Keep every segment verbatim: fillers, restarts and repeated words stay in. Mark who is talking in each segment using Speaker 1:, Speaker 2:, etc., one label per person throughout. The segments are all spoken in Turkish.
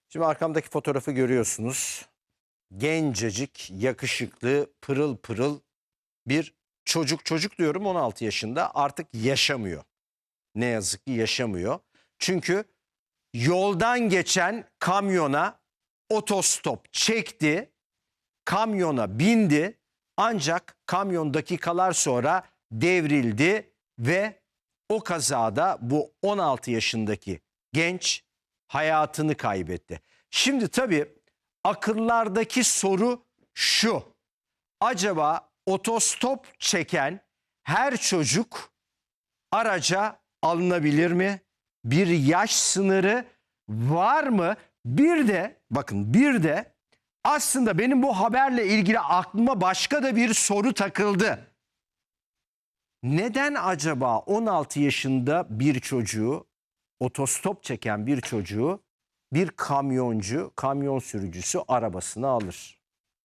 Speaker 1: Şimdi arkamdaki fotoğrafı görüyorsunuz. Gencecik, yakışıklı, pırıl pırıl bir çocuk. Çocuk diyorum, on altı yaşında, artık yaşamıyor. Ne yazık ki yaşamıyor. Çünkü yoldan geçen kamyona otostop çekti. Kamyona bindi. Ancak kamyon dakikalar sonra devrildi ve o kazada bu on altı yaşındaki genç hayatını kaybetti. Şimdi tabii akıllardaki soru şu: acaba otostop çeken her çocuk araca alınabilir mi? Bir yaş sınırı var mı? Bir de bakın, bir de aslında benim bu haberle ilgili aklıma başka da bir soru takıldı. Neden acaba on altı yaşında bir çocuğu, otostop çeken bir çocuğu bir kamyoncu, kamyon sürücüsü arabasına alır?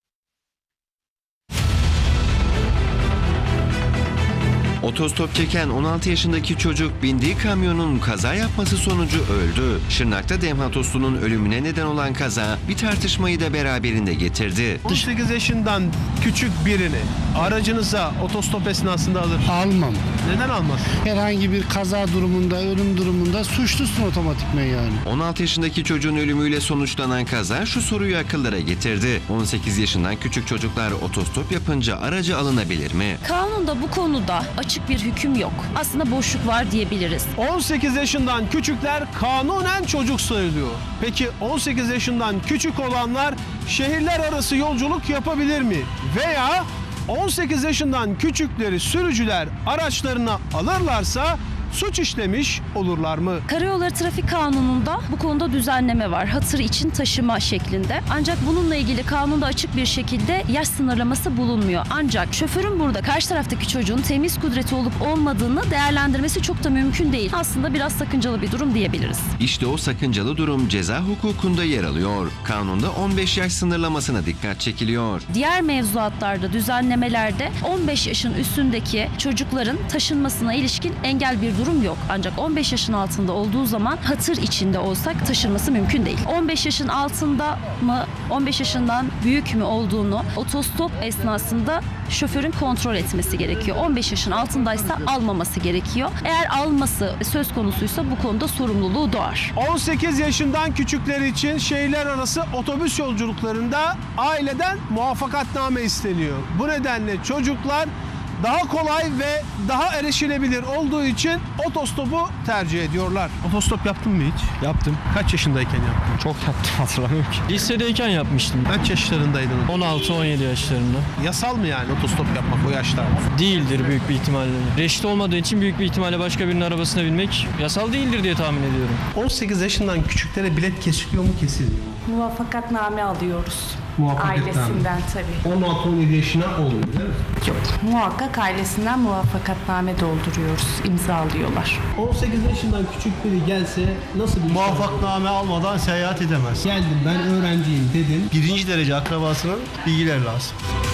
Speaker 2: Otostop çeken on altı yaşındaki çocuk bindiği kamyonun kaza yapması sonucu öldü. Şırnak'ta Demha Toslu'nun ölümüne neden olan kaza bir tartışmayı da beraberinde getirdi.
Speaker 3: on sekiz yaşından küçük birini aracınıza otostop esnasında alır.
Speaker 4: Almam.
Speaker 3: Neden almaz?
Speaker 4: Herhangi bir kaza durumunda, ölüm durumunda suçlusun otomatikman yani.
Speaker 2: on altı yaşındaki çocuğun ölümüyle sonuçlanan kaza şu soruyu akıllara getirdi. on sekiz yaşından küçük çocuklar otostop yapınca aracı alınabilir mi?
Speaker 5: Kanunda bu konuda açık bir hüküm yok. Aslında boşluk var diyebiliriz.
Speaker 3: on sekiz yaşından küçükler kanunen çocuk sayılıyor. Peki on sekiz yaşından küçük olanlar şehirler arası yolculuk yapabilir mi? Veya on sekiz yaşından küçükleri sürücüler araçlarına alırlarsa suç işlemiş olurlar mı?
Speaker 5: Karayolları Trafik Kanunu'nda bu konuda düzenleme var. Hatır için taşıma şeklinde. Ancak bununla ilgili kanunda açık bir şekilde yaş sınırlaması bulunmuyor. Ancak şoförün burada karşı taraftaki çocuğun temiz kudreti olup olmadığını değerlendirmesi çok da mümkün değil. Aslında biraz sakıncalı bir durum diyebiliriz.
Speaker 2: İşte o sakıncalı durum ceza hukukunda yer alıyor. Kanunda on beş yaş sınırlamasına dikkat çekiliyor.
Speaker 5: Diğer mevzuatlarda, düzenlemelerde on beş yaşın üstündeki çocukların taşınmasına ilişkin engel bir durum yok. Ancak on beş yaşın altında olduğu zaman hatır içinde olsak taşınması mümkün değil. on beş yaşın altında mı, on beş yaşından büyük mü olduğunu otostop esnasında şoförün kontrol etmesi gerekiyor. on beş yaşın altındaysa almaması gerekiyor. Eğer alması söz konusuysa bu konuda sorumluluğu doğar.
Speaker 3: on sekiz yaşından küçükler için şehirler arası otobüs yolculuklarında aileden muvaffakatname isteniyor. Bu nedenle çocuklar daha kolay ve daha erişilebilir olduğu için otostopu tercih ediyorlar. Otostop yaptın mı hiç?
Speaker 6: Yaptım.
Speaker 3: Kaç yaşındayken yaptın?
Speaker 6: Çok yaptım, hatırlamıyorum ki. Lisedeyken yapmıştım.
Speaker 3: Kaç yaşlarındaydın?
Speaker 6: on altı on yedi yaşlarında.
Speaker 3: Yasal mı yani otostop yapmak o yaşlarda?
Speaker 6: Değildir büyük bir ihtimalle. Reşit olmadığı için büyük bir ihtimalle başka birinin arabasına binmek yasal değildir diye tahmin ediyorum.
Speaker 3: on sekiz yaşından küçüklere bilet kesiliyor mu, kesilmiyor mu?
Speaker 7: Muvaffakatname alıyoruz.
Speaker 3: Muvaffakatname.
Speaker 7: Ailesinden tabii.
Speaker 3: on altı on yedi yaşına olmuyor değil mi?
Speaker 7: Yok. Muhakkak ailesinden muvaffakatname dolduruyoruz. İmzalıyorlar.
Speaker 3: on sekiz yaşından küçük biri gelse nasıl bir
Speaker 8: Muvaffakname almadan seyahat edemez.
Speaker 3: Geldim ben öğrenciyim dedin.
Speaker 8: Birinci derece akrabasının bilgileri lazım.